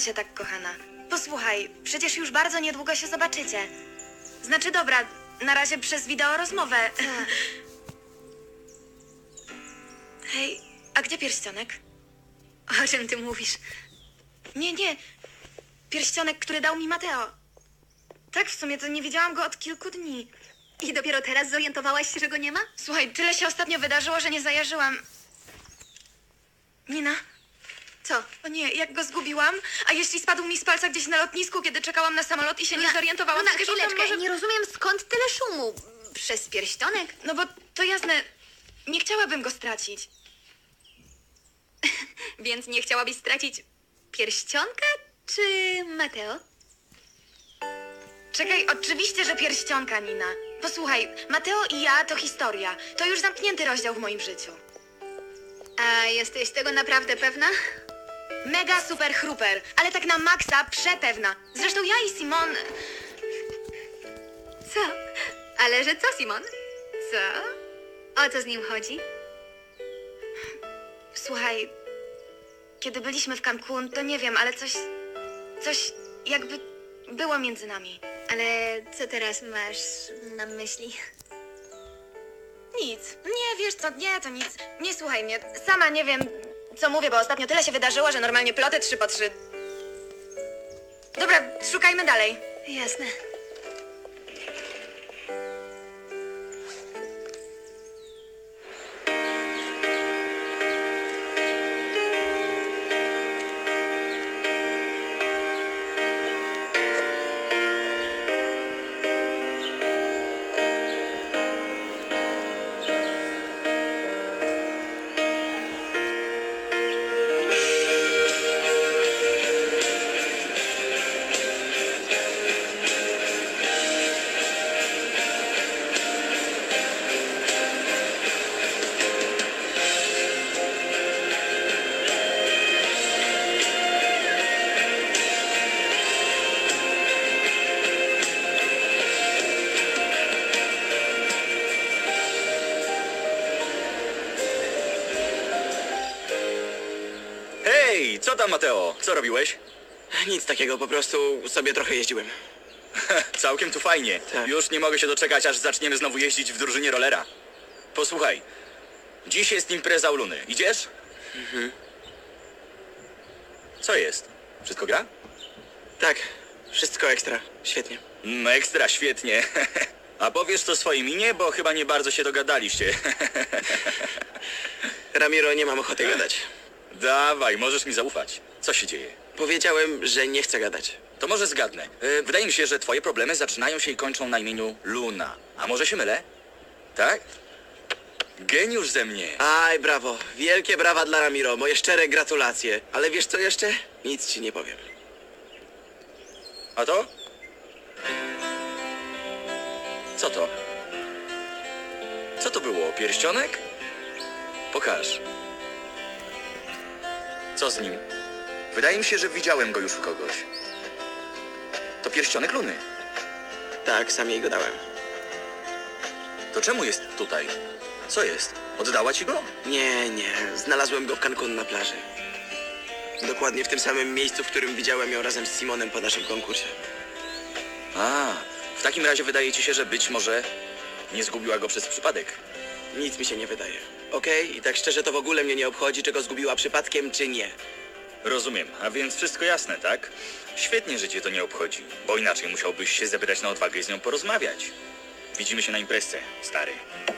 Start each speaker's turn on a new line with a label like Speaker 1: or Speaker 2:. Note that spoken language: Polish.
Speaker 1: się tak, kochana. Posłuchaj, przecież już bardzo niedługo się zobaczycie. Znaczy, dobra, na razie przez wideo rozmowę. Hej, a gdzie pierścionek?
Speaker 2: O czym ty mówisz?
Speaker 1: Nie. Pierścionek, który dał mi Mateo. Tak, w sumie to nie widziałam go od kilku dni.
Speaker 2: I dopiero teraz zorientowałaś się, że go nie ma?
Speaker 1: Słuchaj, tyle się ostatnio wydarzyło, że nie zajarzyłam. Nina?
Speaker 2: Co?
Speaker 1: O nie, jak go zgubiłam? A jeśli spadł mi z palca gdzieś na lotnisku, kiedy czekałam na samolot i się nie zorientowałam?
Speaker 2: No na
Speaker 1: przecież on tam
Speaker 2: chwileczkę,
Speaker 1: może...
Speaker 2: nie rozumiem skąd tyle szumu. Przez pierścionek?
Speaker 1: No bo to jasne, nie chciałabym go stracić.
Speaker 2: Więc nie chciałabyś stracić pierścionka czy Mateo?
Speaker 1: Czekaj, oczywiście, że pierścionka, Nina. Posłuchaj, Mateo i ja to historia. To już zamknięty rozdział w moim życiu.
Speaker 2: A jesteś tego naprawdę pewna?
Speaker 1: Mega super chruper, ale tak na maksa przepewna. Zresztą ja i Simon...
Speaker 2: Co? Ale że co, Simon? Co? O co z nim chodzi?
Speaker 1: Słuchaj, kiedy byliśmy w Cancun, to nie wiem, ale coś jakby było między nami.
Speaker 2: Ale co teraz masz na myśli?
Speaker 1: Nic. Nie, wiesz co, nie, to nic. Nie słuchaj mnie. Sama nie wiem, co mówię, bo ostatnio tyle się wydarzyło, że normalnie ploty 3 po 3. Dobra, szukajmy dalej.
Speaker 2: Jasne.
Speaker 3: Hej, co tam, Mateo? Co robiłeś?
Speaker 4: Nic takiego, po prostu sobie trochę jeździłem.
Speaker 3: Całkiem tu fajnie.
Speaker 4: Tak.
Speaker 3: Już nie mogę się doczekać, aż zaczniemy znowu jeździć w drużynie rollera. Posłuchaj, dziś jest impreza u Luny. Idziesz? Co jest? Wszystko gra?
Speaker 4: Tak, wszystko ekstra, świetnie.
Speaker 3: Ekstra, świetnie. A powiesz to swojej minie, bo chyba nie bardzo się dogadaliście.
Speaker 4: Ramiro, nie mam ochoty gadać.
Speaker 3: Dawaj, możesz mi zaufać. Co się dzieje?
Speaker 4: Powiedziałem, że nie chcę gadać.
Speaker 3: To może zgadnę. Wydaje mi się, że twoje problemy zaczynają się i kończą na imieniu Luna. A może się mylę? Tak? Geniusz ze mnie.
Speaker 4: Aj, brawo, wielkie brawa dla Ramiro, moje szczere gratulacje. Ale wiesz co jeszcze? Nic ci nie powiem.
Speaker 3: A to? Co to? Co to było? Pierścionek? Pokaż. Co z nim? Wydaje mi się, że widziałem go już u kogoś. To pierścionek Luny.
Speaker 4: Tak, sam jej go dałem.
Speaker 3: To czemu jest tutaj? Co jest? Oddała ci go?
Speaker 4: Nie, znalazłem go w Cancun na plaży. Dokładnie w tym samym miejscu, w którym widziałem ją razem z Simonem po naszym konkursie.
Speaker 3: A, w takim razie wydaje ci się, że być może nie zgubiła go przez przypadek.
Speaker 4: Nic mi się nie wydaje. Okej? I tak szczerze to w ogóle mnie nie obchodzi, czy go zgubiła przypadkiem, czy nie.
Speaker 3: Rozumiem, a więc wszystko jasne, tak? Świetnie, że cię to nie obchodzi, bo inaczej musiałbyś się zebrać na odwagę i z nią porozmawiać. Widzimy się na imprezce, stary.